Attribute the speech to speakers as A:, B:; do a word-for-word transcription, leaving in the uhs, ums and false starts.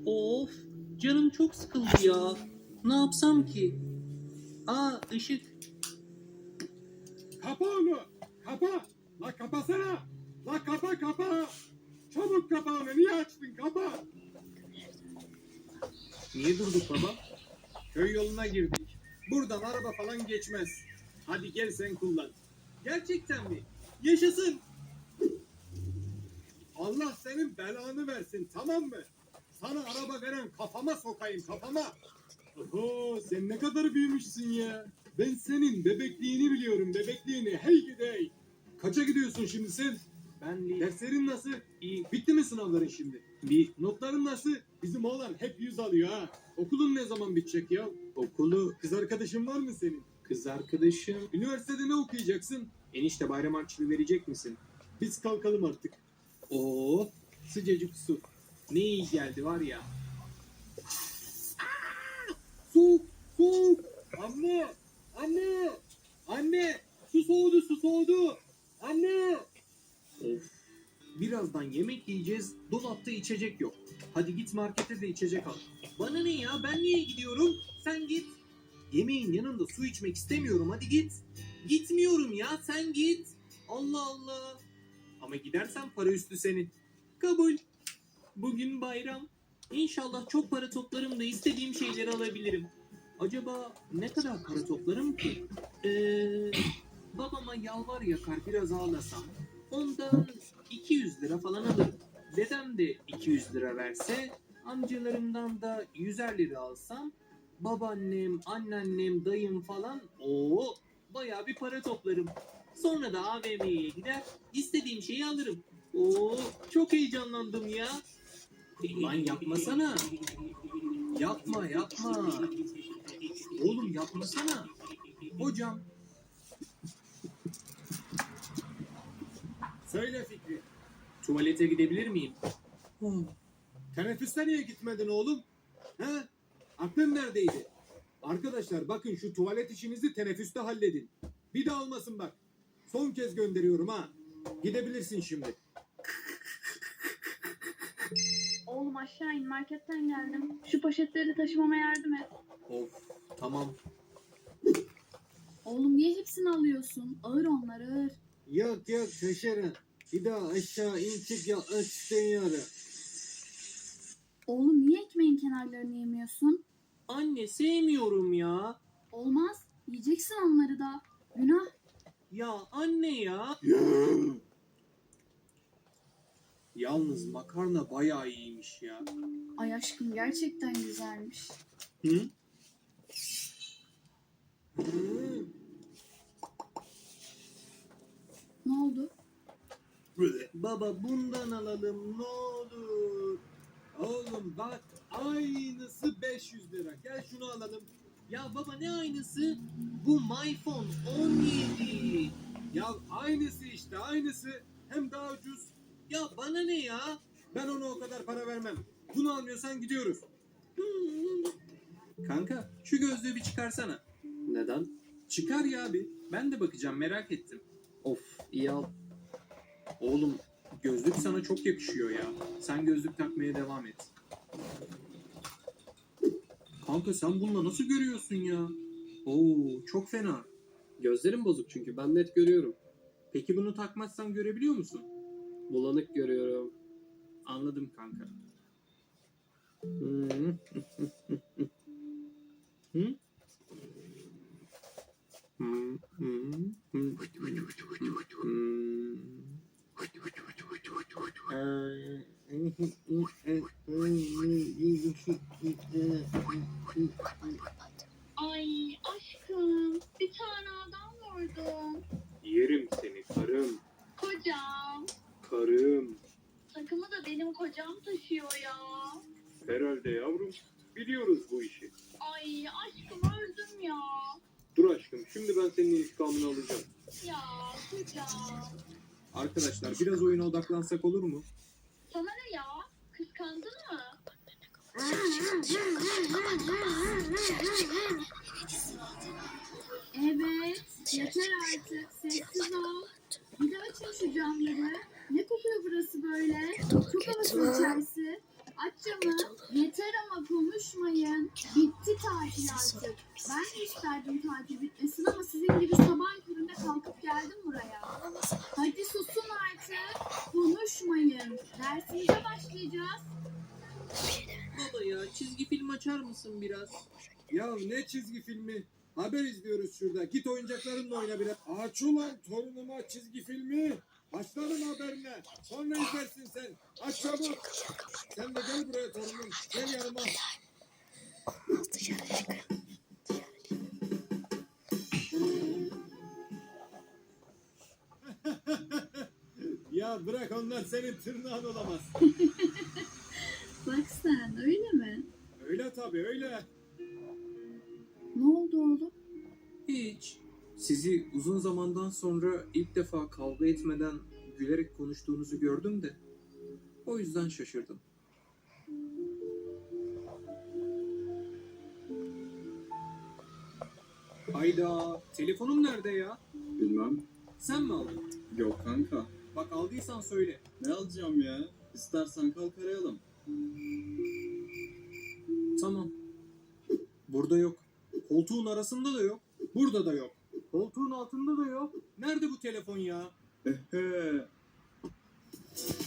A: Of, canım çok sıkıldı ya. Ne yapsam ki? Aa, ışık.
B: Kapa onu. Kapa. La kapasana. La kapa kapa. Çabuk kapa onu. Niye açtın? Kapa.
A: Niye durduk baba?
B: Köy yoluna girdik. Buradan araba falan geçmez. Hadi gel sen kullan.
A: Gerçekten mi? Yaşasın.
B: Allah senin belanı versin, tamam mı? Sana araba veren kafama sokayım, kafama. Oho, sen ne kadar büyümüşsün ya. Ben senin bebekliğini biliyorum, bebekliğini. Hey gidey. Kaça gidiyorsun şimdi sen?
A: Ben de
B: Derslerin nasıl?
A: iyi.
B: Bitti mi sınavların şimdi?
A: Bir
B: Notların nasıl? Bizim oğlan hep yüz alıyor ha. Okulun ne zaman bitecek ya?
A: okulu,
B: Kız arkadaşın var mı senin?
A: kız arkadaşım.
B: Üniversitede ne okuyacaksın?
A: Enişte bayram harçlığı verecek misin?
B: Biz kalkalım artık.
A: Oo, sıcacık su. Ne iyi geldi var ya.
B: Soğuk, soğuk. Anne, anne, anne. Su soğudu, su soğudu. Anne.
A: Of. Birazdan yemek yiyeceğiz. Dolapta içecek yok. Hadi git markete de içecek al. Bana ne ya? Ben niye gidiyorum? Sen git. Yemeğin yanında su içmek istemiyorum. Hadi git. Gitmiyorum ya. Sen git. Allah Allah. Ama gidersen para üstü senin. Kabul. Bugün bayram. İnşallah çok para toplarım da istediğim şeyleri alabilirim. Acaba ne kadar para toplarım ki? Ee, babama yalvar yakar biraz ağlasam. Ondan iki yüz lira falan alırım. Dedem de iki yüz lira verse, amcalarımdan da yüzer lira alsam, babaannem, anneannem, dayım falan o bayağı bir para toplarım. Sonra da A V M'ye gider, istediğim şeyi alırım. Oo, çok heyecanlandım ya. Lan yapmasana. Yapma yapma. Oğlum yapmasana. Hocam.
B: Söyle Fikri.
A: Tuvalete gidebilir miyim?
B: Teneffüste niye gitmedin oğlum? He? Aklın neredeydi? Arkadaşlar bakın şu tuvalet işinizi teneffüste halledin. Bir daha olmasın bak. Son kez gönderiyorum ha. Gidebilirsin şimdi.
C: Oğlum aşağı in, marketten geldim. Şu poşetleri taşımama yardım et.
A: Of, tamam.
C: Oğlum niye hepsini alıyorsun? Ağır onlar ağır.
B: Yok yok taşırın. Bir daha aşağı in çık ya istemiyorum.
C: Oğlum niye ekmeğin kenarlarını yemiyorsun?
A: Anne sevmiyorum ya.
C: Olmaz. Yiyeceksin onları da. Günah.
A: Ya anne ya. Yalnız makarna bayağı iyiymiş ya.
C: Ay aşkım gerçekten güzelmiş.
A: Hı?
C: Ne oldu?
A: Baba bundan alalım ne olur.
B: Oğlum bak aynısı beş yüz lira. Gel şunu alalım.
A: Ya baba ne aynısı? Bu MyPhone on yedi.
B: Ya aynısı işte aynısı. Hem daha ucuz.
A: Ya bana ne ya?
B: Ben ona o kadar para vermem. Bunu almıyorsan gidiyoruz.
A: Kanka şu gözlüğü bir çıkarsana.
D: Neden?
A: Çıkar ya abi. Ben de bakacağım merak ettim.
D: Of, iyi al.
A: Oğlum gözlük sana çok yakışıyor ya. Sen gözlük takmaya devam et. Kanka sen bununla nasıl görüyorsun ya? Oo çok fena.
D: Gözlerim bozuk çünkü ben net görüyorum.
A: Peki bunu takmazsan görebiliyor musun?
D: Bulanık görüyorum.
A: Anladım kanka.
D: Hmm.
A: Hı?
D: Hmm, hmm, hmm, hmm.
C: Ay aşkım bir tane adam vurdum.
A: Yerim seni karım.
C: Kocam.
A: Karım.
C: Takımı da benim kocam taşıyor ya.
A: Herhalde yavrum. Biliyoruz bu işi.
C: Ay aşkım öldüm ya.
A: Dur aşkım şimdi ben senin intikamını alacağım.
C: Ya kocam.
A: Arkadaşlar biraz oyuna odaklansak olur mu?
C: Sana ne ya? Kıskandın mı? Evet. Yeter artık. Sessiz ol. Bir de açın şu camları. Ne kokuyor burası böyle? Çok havasız içerisi. Aç camı. Yeter ama konuşmayın. Bitti tatil artık. Ben de isterdim tatil bitmesin ama sizin gibi sabahın köründe kalkıp geldim buraya. Hadi susun artık. Konuşmayın. Dersimize başlayacağız.
A: Baba ya çizgi film açar mısın biraz?
B: Ya ne çizgi filmi? Haber izliyoruz şurada. Git oyuncaklarınla oyna biraz. Aç ulan torunuma çizgi filmi. Başlarım haberine. Sonra izlersin sen. Aç çabuk. Sen de gel buraya torunum. Gel yanıma. Ya bırak onlar senin tırnağın olamaz.
C: Bak sen öyle mi?
B: Öyle tabii öyle.
C: Ne oldu oğlum?
A: Hiç. Sizi uzun zamandan sonra ilk defa kavga etmeden gülerek konuştuğunuzu gördüm de. O yüzden şaşırdım. Hayda, telefonum nerede ya?
E: Bilmem.
A: Sen mi aldın?
E: Yok kanka.
A: Bak aldıysan söyle.
E: Ne alacağım ya? İstersen kalk arayalım.
A: Tamam. Burada yok. Koltuğun arasında da yok. Burada da yok. Koltuğun altında da yok. Nerede bu telefon ya?
E: Ehe.